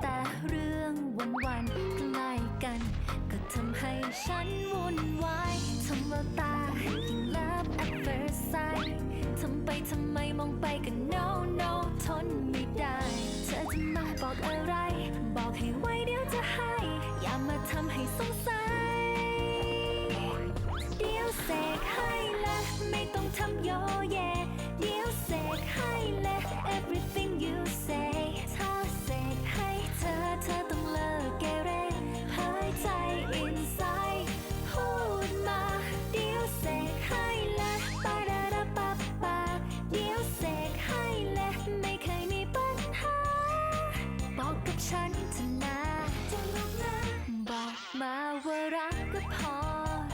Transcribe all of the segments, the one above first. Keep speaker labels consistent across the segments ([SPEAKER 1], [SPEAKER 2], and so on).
[SPEAKER 1] แต่เรื่องวันๆใกล้กันก็ทำให้ฉันวุ่นวายทำแววตายิ่ง love at first sight ทำไปทำไมมองไปก็ no no ทนไม่ได้เธอจะมาบอกอะไรบอกให้ไว้เดี๋ยวจะให้อย่ามาทำให้สงสัยเดี๋ยวเสกให้และไม่ต้องทำโยเยเดี๋ยวเสกให้และ everything you say ถ้าเสกให้เธอต้องเลิกเกเรหายใจ inside พูดมาเดี๋ยวเสกให้และปาดาดาปาปาเดี๋ยวเสกให้และไม่เคยมีปัญหาบอกกับฉันเถอะนะจะรักนะบอกมาว่ารักก็พอ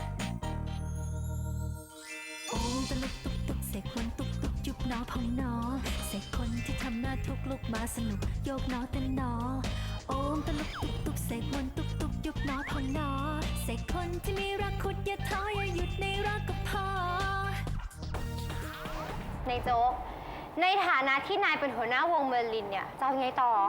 [SPEAKER 1] โอ้ตะลุกตุกตุกเสกคนตุกตุกยุบหนอพองหนอเสกคนที่ทำหน้าทุกลุกมาสนุกโยกหนอเต้นหนอโอ้ตะลุกตุกตุกเสกคนตุกตุกยุบหนอพองหนอเสกคนที่มีรักขุดอย่าท้ออย่าหยุดในรักก็พอ
[SPEAKER 2] ในโจ๊กในฐานะที่นายเป็นหัวหน้าวงเมอร์ลินเนี่ยจะเอาไงต่อ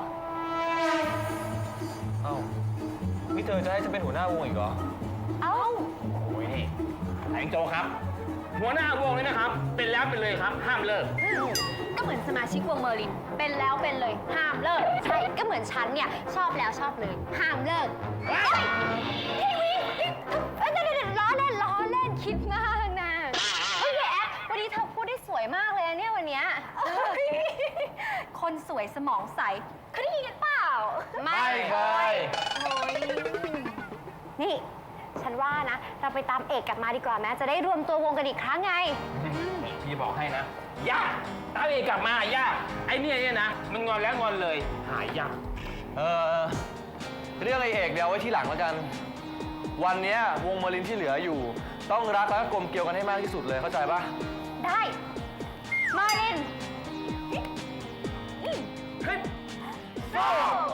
[SPEAKER 3] เอ้านี่เธอจะให้ฉันเป็นหัวหน้าวงอีกเหรอ
[SPEAKER 2] เอ้า
[SPEAKER 4] โอ้ยนี่แองโจครับหัวหน้าวงเลยนะครับเป็นแล้วเป็นเลยครับห้ามเลิก
[SPEAKER 2] ก็เหมือนสมาชิกวงเมอร์ลินเป็นแล้วเป็นเลยห้ามเลิกใช่ก็เหมือนฉันเนี่ยชอบแล้วชอบเลยห้ามเลิกพี่วิล้อเล่นคิดมากนะเฮ้ยแอ๊กวันนี้เธอพูดได้สวยมากเลยเนี่ยวันเนี้ยคนสวยสมองใสเคยได้ยินกันเปล่า
[SPEAKER 3] ไม่เคย
[SPEAKER 2] โอ้ยนี่ฉันว่านะเราไปตามเอกกลับมาดีกว่าแม้จะได้รวมตัววงกันอีกครั้งไง
[SPEAKER 4] พี่บอกให้นะยากตามเอกกลับมายากไอ้เนี่ยนะมันงอนแล้วงอนเลยหายยาก
[SPEAKER 3] เรื่องไอเอกเดี๋ยวไว้ที่หลังแล้วกันวันนี้วงเมอร์ลินที่เหลืออยู่ต้องรักและกลมเกลียวกันให้มากที่สุดเลยเข้าใจปะ
[SPEAKER 2] ได้เมอร์ลินโซ่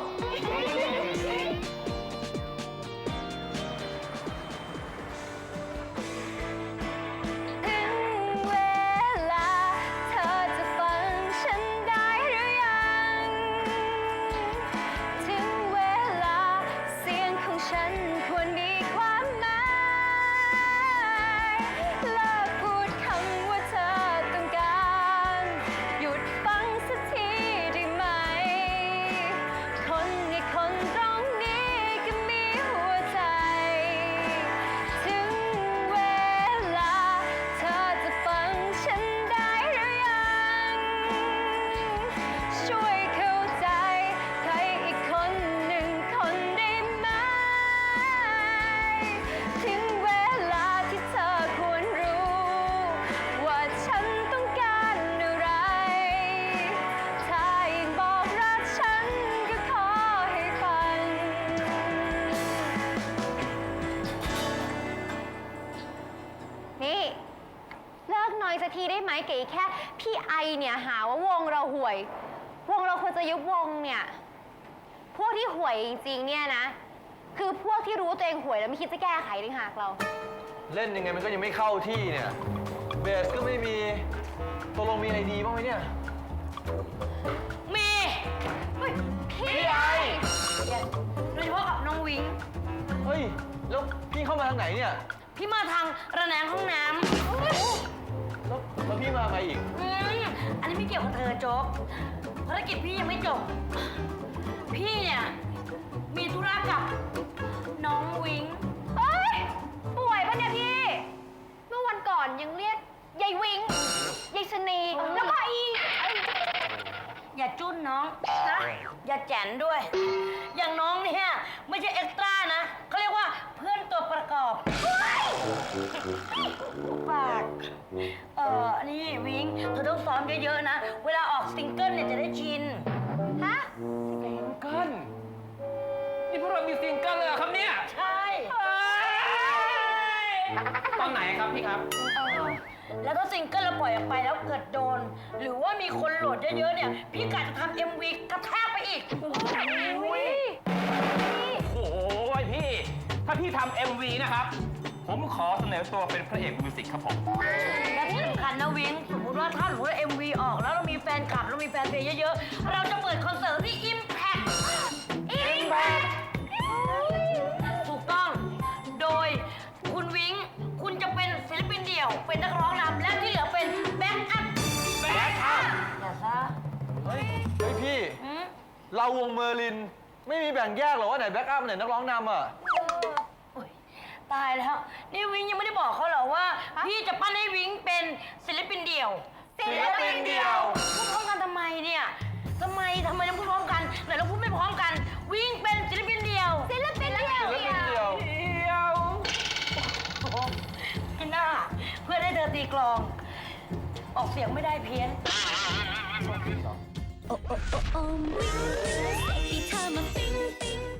[SPEAKER 2] สักทีได้ไหมเก๋แค่พี่ไอเนี่ยหาว่าวงเราห่วยวงเราควรจะยุบวงเนี่ยพวกที่ห่วยจริงๆเนี่ยนะคือพวกที่รู้ตัวเองห่วยแล้วไม่คิดจะแก้ไขต่างหากเรา
[SPEAKER 3] เล่นยังไงมันก็ยังไม่เข้าที่เนี่ยเบสก็ไม่มีตกลงมีอะไรดีบ้างไหมเนี่ย
[SPEAKER 2] มีพี่ไอโดยเฉพาะกับน้องวิง
[SPEAKER 3] เฮ้ยแล้วพี่เข้ามาทางไหนเนี่ย
[SPEAKER 2] พี่มาทางระแนงห้องน้ำ
[SPEAKER 3] แล้วพี่มาไงอีก
[SPEAKER 2] อันนี้ไม่เกี่ยวกับเธอโจ๊กภารกิจพี่ยังไม่จบพี่เนี่ยมีธุระกับน้องวิงเฮ้ยป่วยปะเนี่ยพี่เมื่อวันก่อนยังเรียกยายวิงยายชนีแล้วก็อย่าจุ้นน้องนะอย่าแจนด้วยอย่างน้องเนี่ยไม่ใช่เอ็กซ์ตร้านะเขาเรียกว่าเพื่อนตัวประกอบปากนี่วิงเธอต้องซ้อมเยอะๆนะเวลาออกซิงเกิลเนี่ยจะได้ชินฮะ
[SPEAKER 4] ซิงเกิลนี่พวกเรามีซิงเกิลเลยเหรอครับเนี่ย
[SPEAKER 2] ใช่
[SPEAKER 4] ตอนไหนครับพี่ครับ
[SPEAKER 2] แล้วถ้าซิงเกิลเราปล่อยออกไปแล้วเกิดโดนหรือว่ามีคนโหลดเยอะๆเนี่ยพี่กะจะทำ MV กระแทกไปอีกโอ้ย
[SPEAKER 4] พี่ถ้าพี่ทำ MV นะครับผมขอเสนอตัวเป็นพระเอกมิวสิกครับผม
[SPEAKER 2] และที่สำคัญนะวิงสมมติว่าถ้าหนูได้ MV ออกแล้วเรามีแฟนคลับเรามีแฟนเพลงเยอะๆเราจะเปิดคอนเสิร์ตที่ Impact ถูกต้อง โดยคุณวิ้งคุณจะเป็นศิลปินเดี่ยว เป็นนักร้องนำและที่เหลือเป็นแบ็คอัพ
[SPEAKER 4] แบ็คอัพ
[SPEAKER 2] อย่าซะ
[SPEAKER 3] เฮ้ยพี่
[SPEAKER 2] อืม
[SPEAKER 3] เราวงเมอร์ลิน ไม่มีแบ่งแยกหรอว่าไหนแบ็กอัพไหนนักร้องนำอ่ะ
[SPEAKER 2] โอ๊ยตายแล้ว นี่วิ้งยังไม่ได้บอกเขาเหรอว่า พี่จะปั้นให้วิ้งเป็นศิลปินเดี่ยว
[SPEAKER 3] ศิลปินเดี่ยว
[SPEAKER 2] พูดพร้อมกันทำไมเนี่ยทำไมต้องพูดพร้อมกันไหนเราพูดไม่พร้อมกัน วิ้งเป็นศิลปินเดี่ยว ศิลปินเดี่ยว
[SPEAKER 3] ศิลปินเดี่ยว
[SPEAKER 2] โอ้โหไอ้หน้าเพื่อให้เธอตีกลอง ออกเสียงไม่ได้เพี้ยน
[SPEAKER 1] โอ้โอ้โอ้โอ้วิ่งวิ่งใส่ที่เธอมาปิ๊งปิ๊ง